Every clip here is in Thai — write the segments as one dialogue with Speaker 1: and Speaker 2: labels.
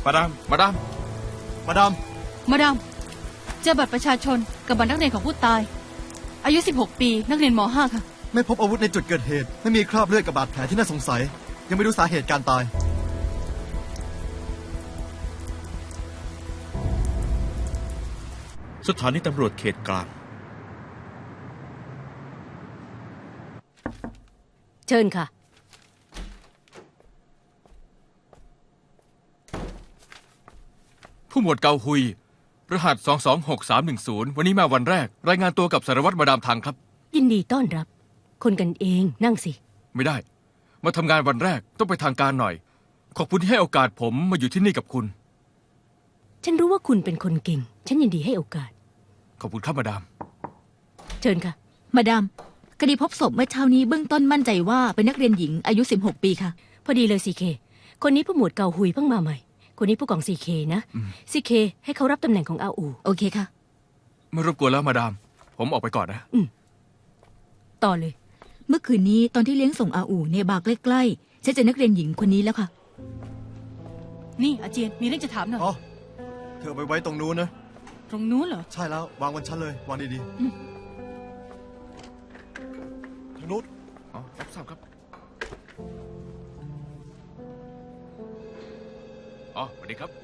Speaker 1: มาดาม
Speaker 2: มาดามเจอบัตรประชาชนกับบัตรนักเรียนของผู้ตายอายุ 16 ปีนักเรียนม .5 ค่ะ
Speaker 3: ไม่พบอาวุธในจุดเกิดเหตุไม่มีคราบเลือดกับบาดแผลที่น่าสงสัยยังไม่รู้สาเหตุการตาย
Speaker 1: สถานีตำรวจเขตกลาง
Speaker 4: เชิญค่ะ
Speaker 5: ผู้หมวดเกาฮุยรหัส226310วันนี้มาวันแรกรายงานตัวกับสารวัตรมาดามทังครับ
Speaker 4: ยินดีต้อนรับคนกันเองนั่งสิ
Speaker 5: ไม่ได้มาทำงานวันแรกต้องไปทางการหน่อยขอบคุณที่ให้โอกาสผมมาอยู่ที่นี่กับคุณ
Speaker 4: ฉันรู้ว่าคุณเป็นคนเก่งฉันยินดีให้โอกาส
Speaker 5: ขอบคุณครับมาดาม
Speaker 4: เชิญค่ะ
Speaker 6: มาดามคดีพบศพเมื่อเช้านี้เบื้องต้นมั่นใจว่าเป็นนักเรียนหญิงอายุ16 ปีค่ะ
Speaker 4: พอดีเลยซีเคคนนี้ผู้หมวดเกาฮุยเพิ่งมาใหม่คนนี้ผู้กองซีเคนะซีเคให้เขารับตำแหน่งของอาอู
Speaker 6: โอเคค่ะ
Speaker 5: ไม่รบกวนแล้วมาดามผมออกไปก่อนนะ
Speaker 4: ต่อเลย
Speaker 6: เมื่อคืนนี้ตอนที่เลี้ยงส่งอาอูในบาร์ใกล้ๆฉันเจอนักเรียนหญิงคนนี้แล้วค่ะ
Speaker 2: นี่อาเจียนมีเรื่องจะถามหน่อย
Speaker 3: อ๋อเธอไปไว้ตรงนู้นนะ
Speaker 2: ตรงนู้นเหรอ
Speaker 3: ใช่แล้ววางบนชั้นเลยวางดีๆทางนู้น
Speaker 5: อ๋อรับทราบครับอ๋อสวัสดีครับ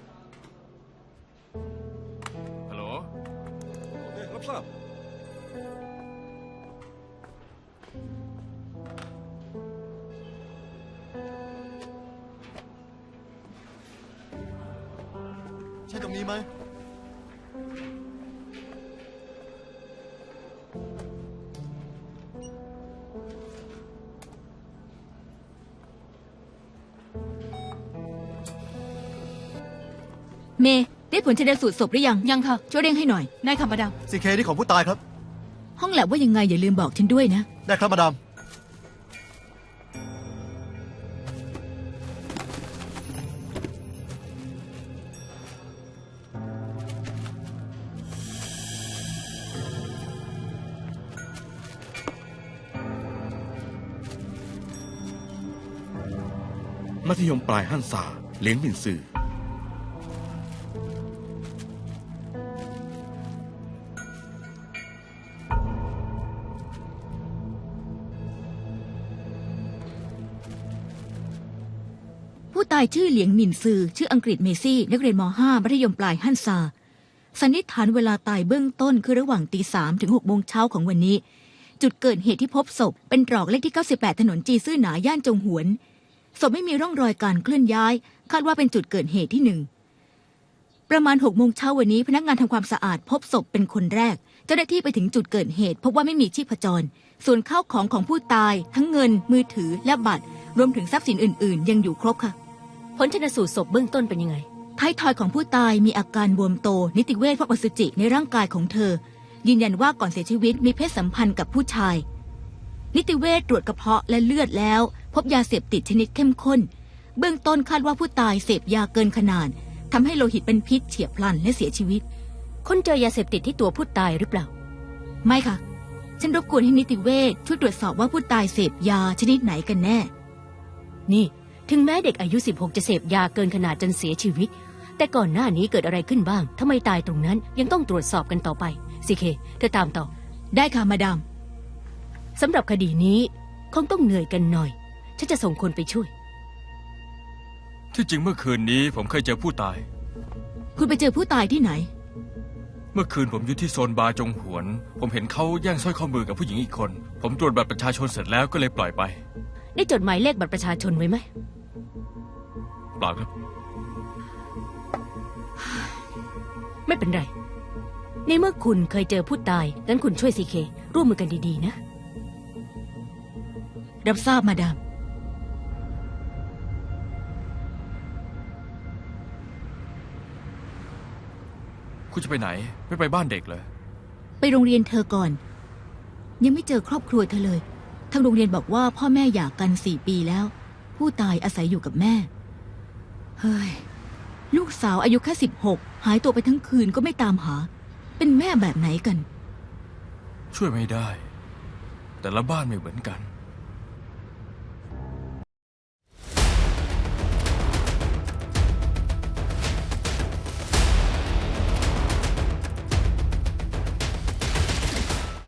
Speaker 5: ฮัลโหล
Speaker 3: โอเครับทราบใช่ตรงนี้ไหม
Speaker 6: เมย์ได้ผลชันสูตรศพหรือยัง
Speaker 2: ยังค่ะ
Speaker 6: ช่วยเร่งให้หน่อย
Speaker 2: ได้ค่ะมาดาม
Speaker 3: ซีเคที่ของผู้ตายครับ
Speaker 6: ห้องแลบว่ายังไงอย่าลืมบอกฉันด้วยนะ
Speaker 3: ได้ครับมาดาม
Speaker 1: มัธยมปลายฮั่นซาเลี้ยงหมินซือ
Speaker 6: ผู้ตายชื่อเหลียงหมินซือชื่ออังกฤษเมซี่นักเรียนม .5 มัธยมปลายฮั่นซาสันนิษฐานเวลาตายเบื้องต้นคือระหว่างตี 3 ถึง 6 โมงเช้าของวันนี้จุดเกิดเหตุที่พบศพเป็นตรอกเลขที่ 98 ถนนจีซื่อหนาย่านจงหวนศพไม่มีร่องรอยการเคลื่อนย้ายคาดว่าเป็นจุดเกิดเหตุที่1ประมาณ 6 โมงเช้าวันนี้พนักงานทำความสะอาดพบศพเป็นคนแรกเจ้าหน้าที่ไปถึงจุดเกิดเหตุพบว่าไม่มีชีพจรส่วนข้าวของของผู้ตายทั้งเงินมือถือและบัตรรวมถึงทรัพย์สินอื่นๆยังอยู่ครบค่ะ
Speaker 4: ผลชันสูตรศพเบื้องต้นเป็นยังไง
Speaker 6: ท้ายทอยของผู้ตายมีอาการบวมโตนิติเวชพบอสุจิในร่างกายของเธอยืนยันว่าก่อนเสียชีวิตมีเพศสัมพันธ์กับผู้ชายนิติเวชตรวจกระเพาะและเลือดแล้วพบยาเสพติดชนิดเข้มข้นเบื้องต้นคาดว่าผู้ตายเสพยาเกินขนาดทำให้โลหิตเป็นพิษเฉียบพลันและเสียชีวิต
Speaker 4: คนเจอยาเสพติดที่ตัวผู้ตายหรือเปล่า
Speaker 6: ไม่ค่ะฉันรบกวนให้นิติเวชช่วยตรวจสอบว่าผู้ตายเสพยาชนิดไหนกันแน่
Speaker 4: นี่ถึงแม้เด็กอายุ16จะเสพยาเกินขนาดจนเสียชีวิตแต่ก่อนหน้านี้เกิดอะไรขึ้นบ้างทำไมตายตรงนั้นยังต้องตรวจสอบกันต่อไปซีเคเธอตามต่อ
Speaker 6: ได้ค่ะมาดาม
Speaker 4: สำหรับคดีนี้คงต้องเหนื่อยกันหน่อยฉันจะส่งคนไปช่วย
Speaker 5: ที่จริงเมื่อคืนนี้ผมเคยเจอผู้ตาย
Speaker 6: คุณไปเจอผู้ตายที่ไหน
Speaker 5: เมื่อคืนผมอยู่ที่โซนบาร์จงหวนผมเห็นเขาแย่งสร้อยข้อมือกับผู้หญิงอีกคนผมตรวจบัตรประชาชนเสร็จแล้วก็เลยปล่อยไป
Speaker 4: ได้จดหมายเลขบัตรประชาชนไว้ไหม
Speaker 5: เปล่าครับ
Speaker 4: ไม่เป็นไรในเมื่อคุณเคยเจอผู้ตายงั้นคุณช่วยซีเคร่วมมือกันดีๆนะ
Speaker 6: รับทราบมาดาม
Speaker 5: คุณจะไปไหนไม่ไปบ้านเด็กเลย
Speaker 6: ไปโรงเรียนเธอก่อนยังไม่เจอครอบครัวเธอเลยทางโรงเรียนบอกว่าพ่อแม่หย่ากัน4 ปีแล้วผู้ตายอาศัยอยู่กับแม่เฮ้ยลูกสาวอายุแค่16หายตัวไปทั้งคืนก็ไม่ตามหาเป็นแม่แบบไหนกัน
Speaker 5: ช่วยไม่ได้แต่ละบ้านไม่เหมือนกัน